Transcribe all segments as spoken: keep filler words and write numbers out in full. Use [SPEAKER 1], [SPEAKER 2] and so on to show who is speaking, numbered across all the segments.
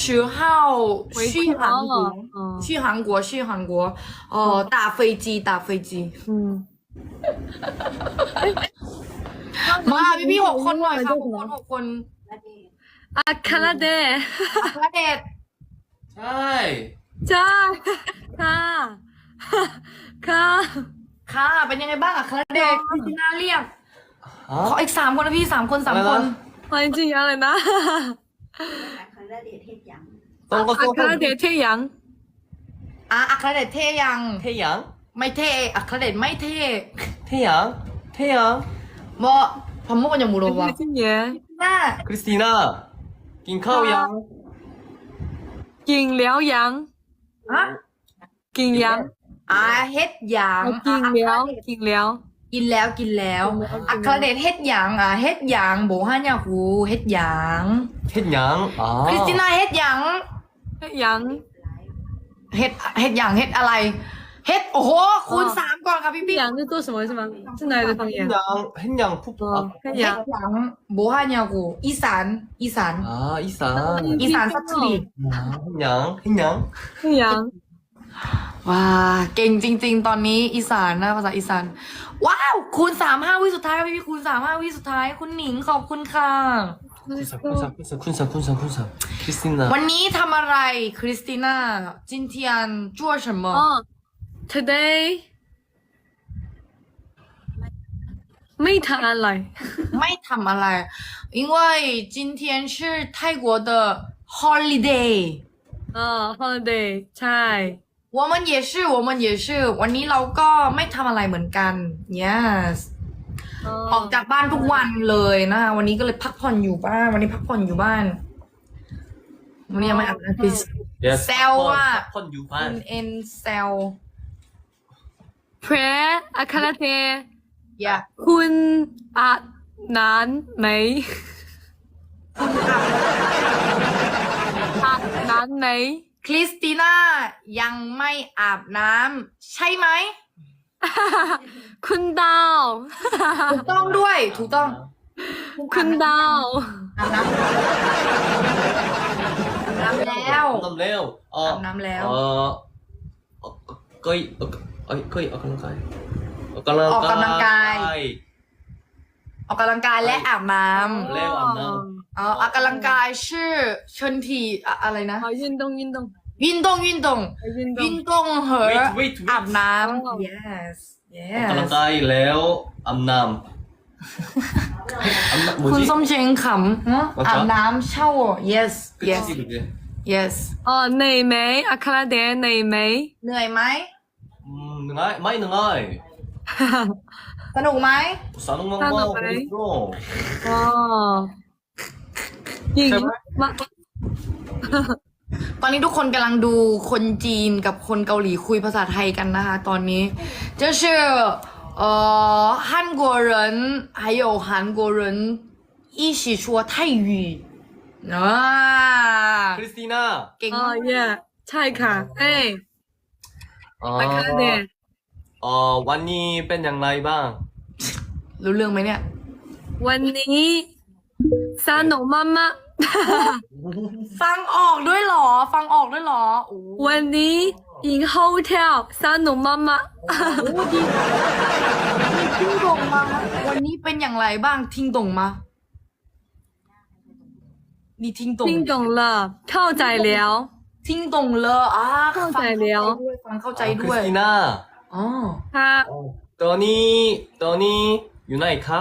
[SPEAKER 1] 十号去韩国，去韩国，去韩国，哦，打飞机，打飞机。
[SPEAKER 2] อืม
[SPEAKER 1] มาพี่พี่หกคนหน่อยค่ะหกคนหกคน
[SPEAKER 2] อาคาราเดะ
[SPEAKER 1] พระเดช
[SPEAKER 3] ใช่
[SPEAKER 2] จ้าค่ะค่ะ
[SPEAKER 1] ค่ะเป็นยังไงบ้างอะคระเดชพี่จีน่าเรียก
[SPEAKER 3] ฮะ
[SPEAKER 1] ขออีกสามคนนะพี่สามคนสามคน
[SPEAKER 2] มาจริงๆอะไรนะ
[SPEAKER 4] คาราเดชเทศยัง
[SPEAKER 3] ต้องก็
[SPEAKER 2] อา
[SPEAKER 3] ต้อง
[SPEAKER 2] คาราเดะเที่ยง
[SPEAKER 1] อ่ะอัครเดชเท่ยัง
[SPEAKER 3] เทียง
[SPEAKER 1] ไม่เท่อัครเดชไม่เท่
[SPEAKER 3] เทียงเทียง
[SPEAKER 1] 뭐 밥 먹었냐 물어봐.
[SPEAKER 2] จริงๆเย่
[SPEAKER 1] 나
[SPEAKER 3] คริสติน่ากินข้าวยัง
[SPEAKER 2] กินแล้วยัง
[SPEAKER 1] 아?
[SPEAKER 2] กินยัง
[SPEAKER 1] 아เฮ็ดหยัง
[SPEAKER 2] กินแล้วกินแล้ว
[SPEAKER 1] กินแล้วกินแล้วอัครเดชเฮ็ดหยังอ่ะเฮ็ดหยังโบฮาญาฮูเฮ็ดหยัง
[SPEAKER 3] เทียงอ๋อ
[SPEAKER 1] คริสติน่าเฮ็ดหยัง
[SPEAKER 2] ยัง
[SPEAKER 1] เฮ็ดเฮ็ดหยังเฮ็ดอะไร เฮ็ดโอ้โหคูณสามก่อนค่ะพี่พี่
[SPEAKER 2] ยัง是做什么是吗是哪里的方言
[SPEAKER 3] เทียงเทียงผู้
[SPEAKER 2] 哦
[SPEAKER 1] เฮ็
[SPEAKER 2] 看
[SPEAKER 1] ด
[SPEAKER 2] ยัง
[SPEAKER 1] หยังโบฮาญาฮูอีสานอีสาน
[SPEAKER 3] อ่าอีสาน
[SPEAKER 1] อีสานสักที
[SPEAKER 3] เทียงเทียง
[SPEAKER 2] 看ยัง
[SPEAKER 1] ว้าเก่งจริง ๆ ตอนนี้อีสานนะภาษาอีสานว้าวคูณสามห้าวิสุดท้ายพี่พี่คูณสามห้าวิสุดท้ายคุณหนิงขอบคุณค่ะ
[SPEAKER 3] คุณสันคุณสันคุณสันคุณสันคุณสันคริสติน่า
[SPEAKER 1] วันนี้ทำอะไรคริสติน่า今天做什么
[SPEAKER 2] 哦 today ไม่ทานอะไร
[SPEAKER 1] ไม่ทำอะไร因为今天是泰国的 holiday
[SPEAKER 2] อ๋อ holiday ใช่
[SPEAKER 1] 我们也是我们也是วันนี้เราก็ไม่ทำอะไรเหมือนกัน yes ออกจากบ้านทุกวันเลยนะคะวันนี้ก็เลยพักผ่อนอยู่บ้านวันนี้พักผ่อนอยู่บ้านวันนี้ยังไม่อาบน้ำคือ
[SPEAKER 3] Yes
[SPEAKER 1] แซวอะ
[SPEAKER 3] คนอยู่บ้า
[SPEAKER 1] คุ
[SPEAKER 3] น
[SPEAKER 1] ณเอ็นแซว
[SPEAKER 2] เพรอาคาราเท
[SPEAKER 1] อย่า
[SPEAKER 2] คุณอาบน้ำไหมอาบน้ำไหม
[SPEAKER 1] คริสติน่ายังไม่อาบน้ำใช่ไหม
[SPEAKER 2] คุณดาว
[SPEAKER 1] ถูกต้องด้วยถูกต้อง
[SPEAKER 2] คุณดาว
[SPEAKER 1] อาบน้ำอาบน้ำแล้ว
[SPEAKER 3] น้ำแล้วเออ
[SPEAKER 1] อาบน้ำแล้ว
[SPEAKER 3] เออเอ่อก็ยเอ่อเอ้ยก็ยออกกำลังกายออกกำลัง
[SPEAKER 1] ออกกำลังกาย
[SPEAKER 3] กาย
[SPEAKER 1] ออกกำลังกายและอาบน้
[SPEAKER 3] แล้วอาบน้
[SPEAKER 1] ำอ๋อออกกำลังกายชื่อเชิญทีอะอะไรนะ
[SPEAKER 2] 好运动运动
[SPEAKER 1] 运动运动
[SPEAKER 2] 运动
[SPEAKER 1] 运动和
[SPEAKER 3] wait wait wait
[SPEAKER 1] อาบน้
[SPEAKER 2] อ๋อ
[SPEAKER 1] ำ yes
[SPEAKER 3] ออกกำลัง
[SPEAKER 1] yes
[SPEAKER 3] กายแล้วอาบน้ำอาบน้ำ뭐지
[SPEAKER 1] คุณส้มเชงขำฮะ
[SPEAKER 3] ว่า
[SPEAKER 1] อาบน้ำเช่า yes yes
[SPEAKER 3] 그치 그게
[SPEAKER 1] yes
[SPEAKER 2] อ๋อเหนื่อยไหมอาคาราเดะเหนื่อยไหม
[SPEAKER 1] เหนื่อยไหม
[SPEAKER 3] 음 능아이 많이 능아이
[SPEAKER 1] สนุกไหม
[SPEAKER 3] 사는
[SPEAKER 2] 사는
[SPEAKER 3] 방법
[SPEAKER 2] 거네.
[SPEAKER 3] 있어
[SPEAKER 2] อ๋อยิง
[SPEAKER 3] ใช่ไหม
[SPEAKER 2] มา
[SPEAKER 1] ตอนนี้ทุกคนกำลังดูคนจีนกับคนเกาหลีคุยภาษาไทยกันนะคะตอนนี้就是呃韩国人还有韩国人一起说泰语啊
[SPEAKER 3] 크리스티나
[SPEAKER 1] เก่ง
[SPEAKER 2] อ๋อ
[SPEAKER 1] มาก
[SPEAKER 2] เย่ใช่ค่ะเอ้ย
[SPEAKER 3] 어,
[SPEAKER 2] อาคาราเดะ
[SPEAKER 3] 어 완니 뺀 양라이방
[SPEAKER 1] รู้เรื่องไหมเนี่ย
[SPEAKER 2] วันนี้สนุกมาก
[SPEAKER 1] ฟังออกด้วยเหรอ ฟังออกด้วยเหรอโอ้
[SPEAKER 2] ๆวันนี้อินโฮเทลสนุกมาก
[SPEAKER 1] โหดีทิ้งตงมาวันนี้เป็นอย่างไรบ้างทิ้งตงมานี่ทิ้งต
[SPEAKER 2] ๆ
[SPEAKER 1] ง
[SPEAKER 2] 听懂了เข้าใจแล้ว
[SPEAKER 1] ทิ้งตงเลยอ่ะ
[SPEAKER 2] เข้าใจแล้ว
[SPEAKER 1] ฟังเข้าใจ
[SPEAKER 3] 어,
[SPEAKER 1] ด้วย
[SPEAKER 3] 크리스티나
[SPEAKER 1] อ๋อ
[SPEAKER 2] ค่ะ
[SPEAKER 3] 떠니 떠니 유나이 캅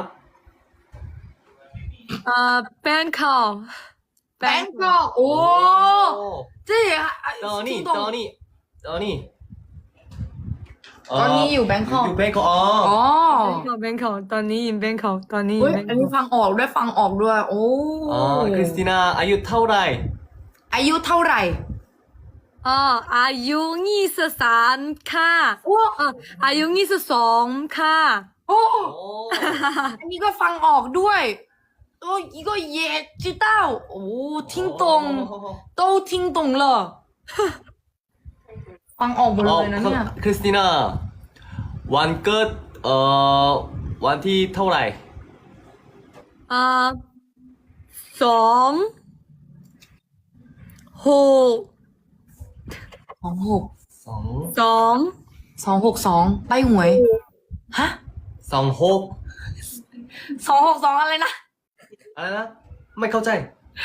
[SPEAKER 2] เอ่อแบงคอก
[SPEAKER 1] แบงกอกโอ้
[SPEAKER 3] 오
[SPEAKER 1] เจ๊ทิ้
[SPEAKER 3] 떠니
[SPEAKER 1] งตง
[SPEAKER 3] 떠니 떠니
[SPEAKER 1] ตอนนี้อยู่แบงคอก
[SPEAKER 3] 뱅커
[SPEAKER 1] อ๋อ
[SPEAKER 3] 어
[SPEAKER 2] แบงคอกตอนนี้อินแบงคอกตอนนี้
[SPEAKER 1] เฮ้ย
[SPEAKER 2] แบง
[SPEAKER 1] อัน
[SPEAKER 2] ค
[SPEAKER 1] นี้
[SPEAKER 2] อก
[SPEAKER 1] ฟังออกด้วยฟังออกด้วย โอ้
[SPEAKER 3] 어, 크리스티나 아유 타오라이
[SPEAKER 1] อายุเท่าไหร่
[SPEAKER 2] อ๋ออายุยี่สิบสามค่ะ
[SPEAKER 1] โอ้
[SPEAKER 2] เอ่ออายุยี่สิบสองค่ะ
[SPEAKER 1] โอ้
[SPEAKER 3] 오
[SPEAKER 1] อันนี้ก็ฟังออกด้วยโอ้一个也知道โอ้听懂都听懂了ฟังออกหมดเลยนะเนี่ย
[SPEAKER 3] 어, 크리스티나 완끝 어 완티 타오라이
[SPEAKER 2] อ่าสองหก
[SPEAKER 1] สองหก
[SPEAKER 3] สอง
[SPEAKER 2] สอง
[SPEAKER 1] สองหกสองใบหวย ฮะ
[SPEAKER 3] สองหก
[SPEAKER 1] สองหกสองอะไรนะ
[SPEAKER 3] อะไรนะ ไม่เข้าใจ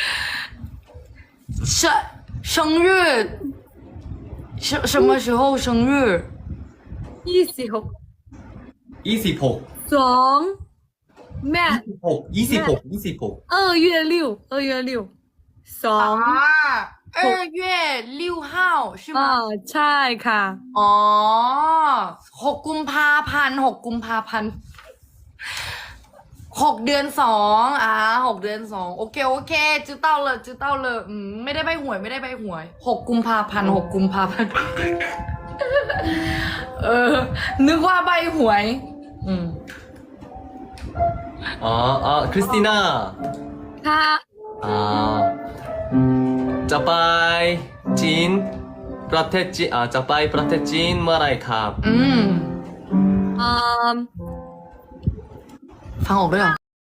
[SPEAKER 1] 生生日什什么时候生日？
[SPEAKER 2] ยี่สิบหก
[SPEAKER 3] ยี่สิบหก
[SPEAKER 2] สองแม่
[SPEAKER 3] หกยี่สิบหกยี่สิบหก
[SPEAKER 2] 二月六二月六สอง
[SPEAKER 1] 啊，二月六号是
[SPEAKER 2] อ่า
[SPEAKER 1] 吗？
[SPEAKER 2] ใช่ค่ะ
[SPEAKER 1] อ๋อหกกุมภาพันธ์หกกุมภาพันธ์หกเดือนสองอ่าหกเดือนสองโอเคโอเค知道了知道了อืมไม่ได้ใบหวยไม่ได้ใบหวยหกกุมภาพันธ์หกกุมภาพันธ์เออ นึกว่าใบหวย อืม
[SPEAKER 3] อ๋ออ๋อคริสติน่า
[SPEAKER 2] ค่ะ
[SPEAKER 3] อ่าจะไปจีนประเทศจีนอ่าจะไปประเทศจีนเมื่อไหรครับ
[SPEAKER 1] อืม
[SPEAKER 2] อืม
[SPEAKER 1] ฟังออกด้วยเหรอ